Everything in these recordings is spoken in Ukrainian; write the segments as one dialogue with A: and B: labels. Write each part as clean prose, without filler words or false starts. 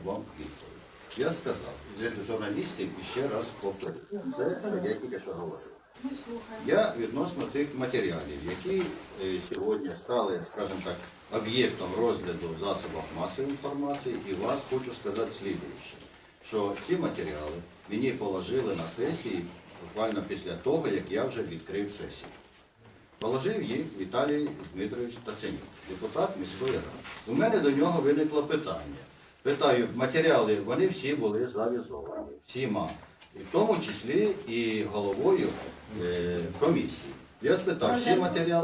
A: вам відповідь. Я сказав для журналістів і ще раз повторю. Це, що я тільки що говорив. Я відносно цих матеріалів, які сьогодні стали, скажімо так, об'єктом розгляду в засобах масової інформації, і вас хочу сказати слідуюче, що ці матеріали мені положили на сесії буквально після того, як я вже відкрив сесію. Положив їх Віталій Дмитрович Таценюк, депутат міської ради. У мене до нього виникло питання. Питаю, матеріали, вони всі були завізовані, всіма, і в тому числі і головою комісії. Я спитав, всі матеріали,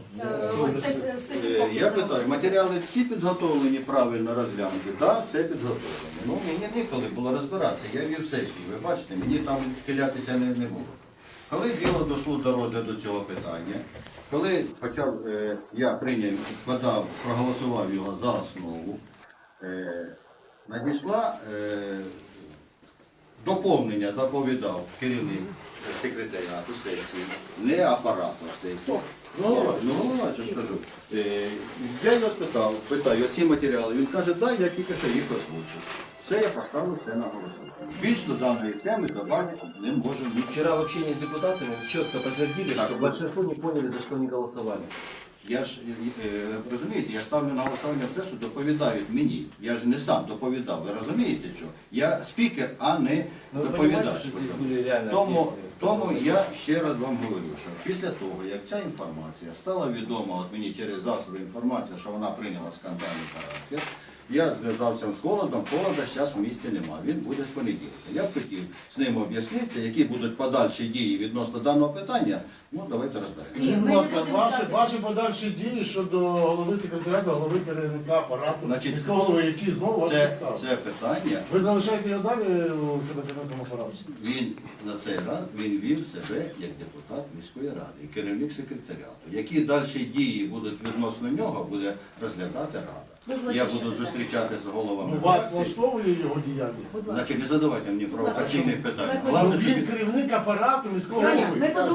A: я питаю, матеріали всі підготовлені, правильно розглянуті? Так, все підготовлено. Ну, мені ніколи було розбиратися, я вів сесію, ви бачите, мені там схилятися не було. Коли діло дійшло до розгляду цього питання, коли я прийняв, проголосував його за основу, надійшла доповнення, доповідав керівник секретаріату сесії, не апарату сесії. Ну, що ж кажу. Я його спитав, питаю, оці матеріали, він каже, да, я тільки що їх озвучив. Все, я поставив все на голосування. Більш до даної теми добавити не можу нічого.
B: Вчера в общении с депутатами четко подтвердили, что большинство не поняли, за что они голосовали.
A: Я ж, розумієте, я ставлю на голосування все, що доповідають мені. Я ж не сам доповідав, ви розумієте, що? Я спікер, а не доповідач. Тому я ще раз вам говорю, що після того, як ця інформація стала відома от мені через засоби інформації, що вона прийняла скандальний характер, я зв'язався з Холодом, Холода зараз в місті немає, він буде з понеділка. Я б хотів з ним об'яснитися, які будуть подальші дії відносно даного питання, ну давайте розберемося.
C: Скажіть, будь ласка, ваші подальші дії щодо голови секретаріату, голови керівника апарату, міського голови, які знову вас підставили.
A: Це питання.
C: Ви залишаєте його далі у секретаріатному апараті?
A: Він на цей раз вів себе як депутат міської ради і керівник секретаріату. Які далі дії будуть відносно нього, буде розглядати рада. Я буду зустрічатися з головами.
C: Вас влаштовує його діяльність?
A: Значить, не задавайте мені провокаційних питань.
C: Він керівник апарату міського голови.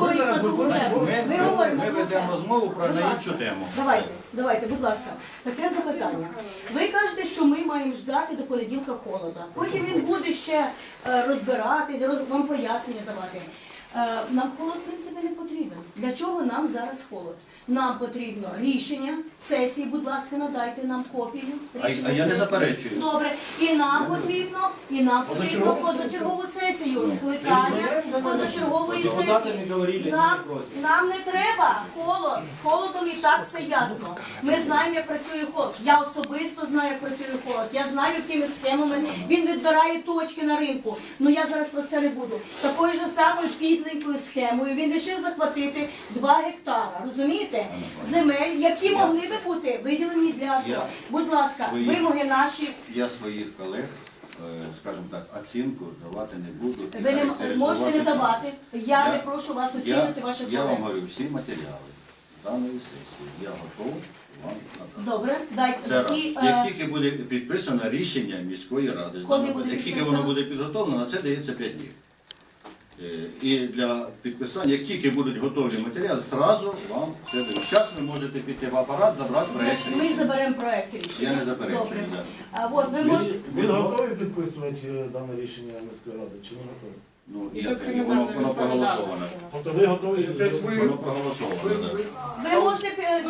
A: Ми ведемо розмову про іншу тему.
D: Давайте, будь ласка, таке запитання. Ви кажете, що ми маємо ждати до понеділка Холода. Потім він буде ще розбиратись, вам пояснення давати. Нам Холод, в принципі, не потрібен. Для чого нам зараз Холод? Нам потрібно рішення сесії, будь ласка, надайте нам копію.
A: А я не заперечую.
D: Добре. І нам потрібно позачергову сесію, скликання позачергової сесії. Нам не треба Холод. З Холодом і так все ясно. Ми знаємо, як працює Холод. Я особисто знаю, як працює Холод. Я знаю, якими схемами він відбирає точки на ринку. Ну я зараз про це не буду. Такою ж самою підленькою схемою він вирішив захватити 2 гектара. Розумієте? Земель, які могли би бути виділені для АТО. Будь ласка, вимоги наші.
A: Я своїх колег, скажімо так, оцінку давати не буду.
D: Ви не можете не давати. Я не прошу вас оцінити ваших колег.
A: Я вам говорю, всі матеріали даної сесії я готовий вам надати.
D: Добре, дайте.
A: Це раз. Як тільки буде підписано рішення міської ради, як тільки воно буде підготовлено, на це дається 5 днів. І для підписання, як тільки будуть готові матеріали, зразу вам все дають. Зараз ви можете піти в апарат, забрати проєкт рішення.
D: Ми заберемо проєкт рішення.
A: Я не заперечую.
C: Він готовий підписувати дане рішення міської ради, чи не готовий?
A: Ну, воно проголосоване.
C: Тобто ви готові?
A: Воно проголосоване, так.
D: Ви можете,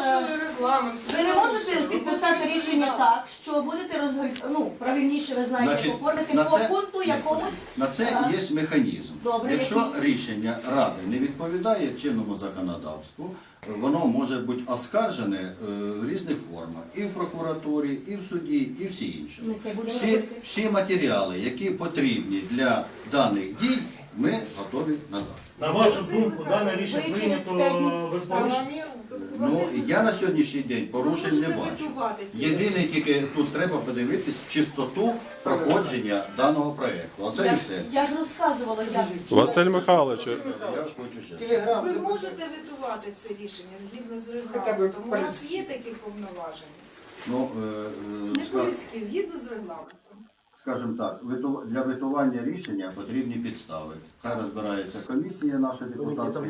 D: ви не можете підписати рішення так, що будете правильніше, ви знаєте, оформити по пункту якомусь.
A: На це є механізм.
D: Добре,
A: якщо рішення Ради не відповідає чинному законодавству, воно може бути оскаржене в різних формах. І в прокуратурі, і в суді, і всі інші. Всі матеріали, які потрібні для даних дій, ми готові надати.
C: На вашу думку, дане рішення прийнято без порушень?
A: Ну, я на сьогоднішній день порушень не бачу. Єдине, тільки тут треба подивитись чистоту проходження даного проєкту. Оце і все.
D: Я ж розказувала, як.
E: Василь Михайлович,
A: Я ж хочу ще.
F: Ви можете ветувати це рішення згідно з регламентом. У вас є такі повноваження? Не по-людськи, згідно з регламентом.
A: Скажімо так, для ветування рішення потрібні підстави. Хай розбирається комісія наша депутатська,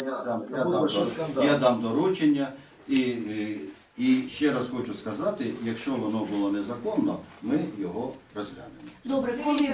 A: я дам доручення. І ще раз хочу сказати, якщо воно було незаконно, ми його розглянемо.
D: Добре, коли